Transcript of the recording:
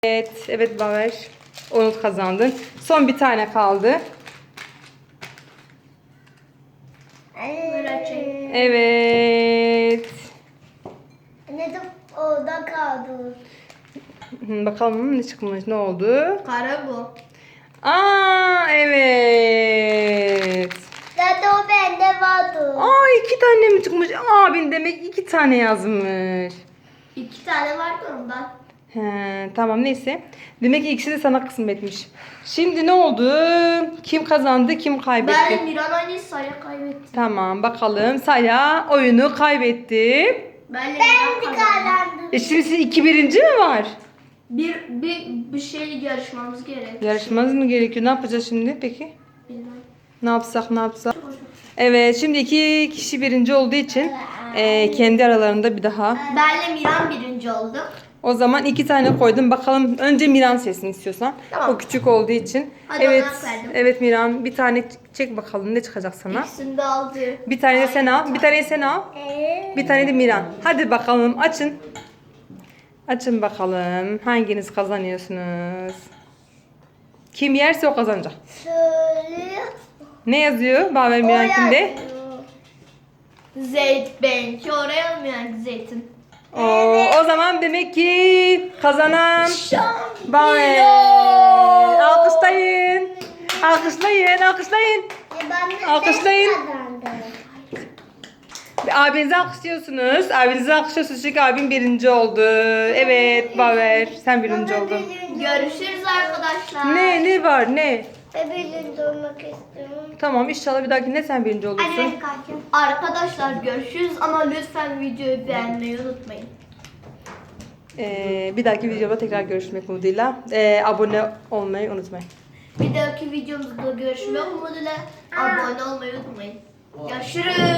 Evet Baver. Onu kazandın. Son bir tane kaldı. Evet. Ne de orada kaldı. Bakalım ne çıkmış, ne oldu? Kara bu. Evet. Zaten o bende vardı. İki tane mi çıkmış? Abin demek iki tane yazmış. 2 tane vardı ondan. Tamam neyse. Demek ki ikisi de sana kısmetmiş. Şimdi ne oldu? Kim kazandı, kim kaybetti? Ben Miran aynı sayı kaybettim. Tamam bakalım. Saya oyunu kaybetti. Ben Ben de kazandım. Şimdi sizin 2-1. mi var? Bir şey yarışmamız gerek. Yarışmanız mı gerekiyor? Ne yapacağız şimdi peki? Bilmem. Ne yapsak? Evet şimdi 2 kişi birinci olduğu için kendi aralarında bir daha. Benle Miran birinci oldu. O zaman 2 tane koydum. Bakalım önce Miran seçsin istiyorsan. Tamam. O küçük olduğu için. Hadi Evet. ona verdim. Evet Miran bir tane çek bakalım ne çıkacak sana. İkisini de aldı. Bir tane de sen al. Bir tane sen al. Bir tane de Miran. Hadi bakalım açın. Açın bakalım. Hanginiz kazanıyorsunuz? Kim yerse o kazanacak. Söyle. Ne yazıyor? Baver Miran kimde? Benimki oraya olmayan zeytin. O zaman demek ki kazanan Baver. Şampiyon. Alkışlayın. Alkışlayın. Alkışlayın. Abinizi alkışlıyorsunuz. Çünkü abim birinci oldu. Evet Baver sen birinci oldun. Görüşürüz arkadaşlar. Ne var ne? Birinci olmak istiyorum. Tamam inşallah bir dahakine sen birinci olursun. Hadi kalkın. Arkadaşlar görüşürüz ama lütfen videoyu beğenmeyi unutmayın. Bir dahaki videoda tekrar görüşmek umuduyla. Abone olmayı unutmayın. Bir dahaki videomuzda görüşmek umuduyla abone olmayı unutmayın. Görüşürüz.